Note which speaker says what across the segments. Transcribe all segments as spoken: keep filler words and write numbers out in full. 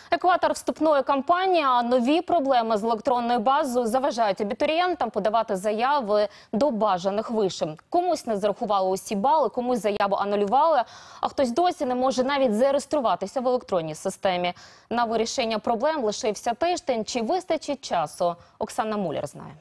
Speaker 1: Екватор вступної кампанії, а нові проблеми з електронною базою заважають абітурієнтам подавати заяви до бажаних вишів. Комусь не зарахували усі бали, комусь заяву анулювали, а хтось досі не може навіть зареєструватися в електронній системі. На вирішення проблем лишився тиждень. Чи вистачить часу? Оксана Муляр знає.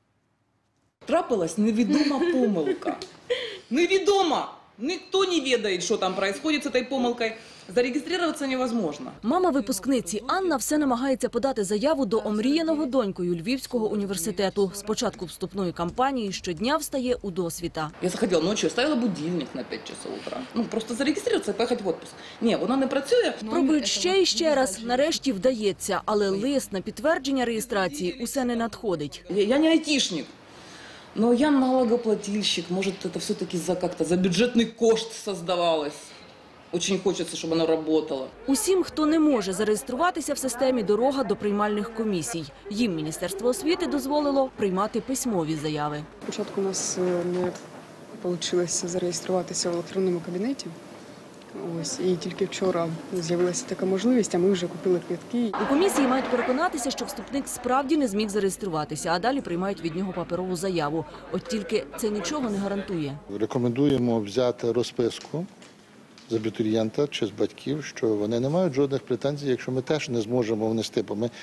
Speaker 2: Трапилась невідома помилка. Невідома! Ніхто не ведає, що там відбувається з цією помилкою. Зареєструватися невозможно.
Speaker 3: Мама випускниці Анна все намагається подати заяву до омріяного донькою Львівського університету. З початку вступної кампанії щодня встає у досвіта.
Speaker 2: Я заходила ночі, ставила будильник на п'ять часов утра. Ну, просто зареєструватися і поїхати в відпуск. Ні, вона не працює.
Speaker 3: Пробують ще і ще раз. Нарешті вдається, але лист на підтвердження реєстрації усе не надходить.
Speaker 2: Я, я не айтішник. Но я налогоплательщик, может, это все-таки за как-то за бюджетный кошт создавалось. Очень хочется, чтобы оно работало.
Speaker 3: Усім, хто не може зареєструватися в системі, дорога до приймальних комісій. Їм Міністерство освіти дозволило приймати письмові заяви.
Speaker 4: Спочатку у нас не вийшло зареєструватися в електронному кабінеті. Ось, і тільки вчора з'явилася така можливість, а ми вже купили квитки.
Speaker 3: У комісії мають переконатися, що вступник справді не зміг зареєструватися, а далі приймають від нього паперову заяву. От тільки це нічого не гарантує.
Speaker 5: Рекомендуємо взяти розписку з абітурієнта чи з батьків, що вони не мають жодних претензій, якщо ми теж не зможемо внести, бо ми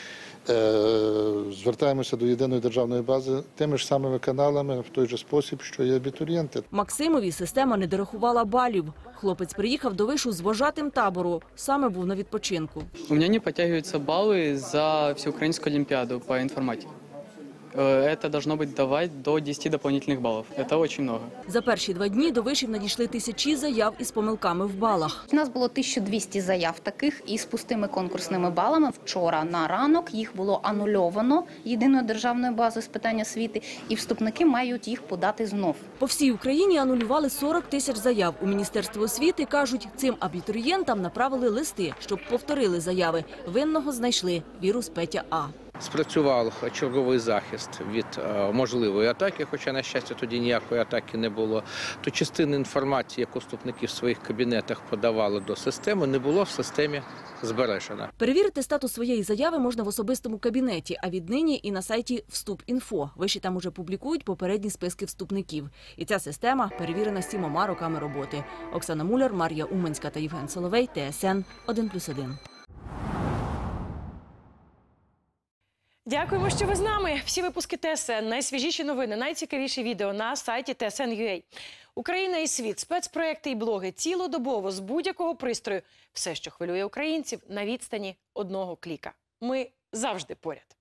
Speaker 5: е, звертаємося до єдиної державної бази тими ж самими каналами в той же спосіб, що і абітурієнти.
Speaker 3: Максимові система не дорахувала балів. Хлопець приїхав до вишу з вожатим табору, саме був на відпочинку.
Speaker 6: У меня не подтягиваются баллы за всеукраинскую олимпиаду по информатике. Это должно быть давать до десяти дополнительных баллов. Это очень много.
Speaker 3: За перші два дні до вишів надійшли тисячі заяв із помилками в балах.
Speaker 7: У нас було тисяча двісті заяв таких із пустими конкурсними балами. Вчора на ранок їх було анульовано єдиною державною базою з питань освіти, і вступники мають їх подати знов.
Speaker 3: По всій Україні анулювали сорок тисяч заяв. У Міністерстві освіти кажуть, цим абітурієнтам направили листи, щоб повторили заяви. Винного знайшли – вірус Петя А.
Speaker 8: Спрацював черговий захист від е, можливої атаки, хоча, на щастя, тоді ніякої атаки не було. То частина інформації, яку вступники в своїх кабінетах подавали до системи, не було в системі збережена.
Speaker 3: Перевірити статус своєї заяви можна в особистому кабінеті, а віднині і на сайті Вступ.Інфо. Виші там уже публікують попередні списки вступників. І ця система перевірена сімома роками роботи. Оксана Муляр, Мар'я Уманська та Євген Соловей, Т С Н один плюс один.
Speaker 9: Дякуємо, що ви з нами. Всі випуски Т С Н, найсвіжіші новини, найцікавіші відео на сайті Т С Н крапка Ю А. Україна і світ, спецпроекти і блоги цілодобово з будь-якого пристрою. Все, що хвилює українців, на відстані одного кліка. Ми завжди поряд.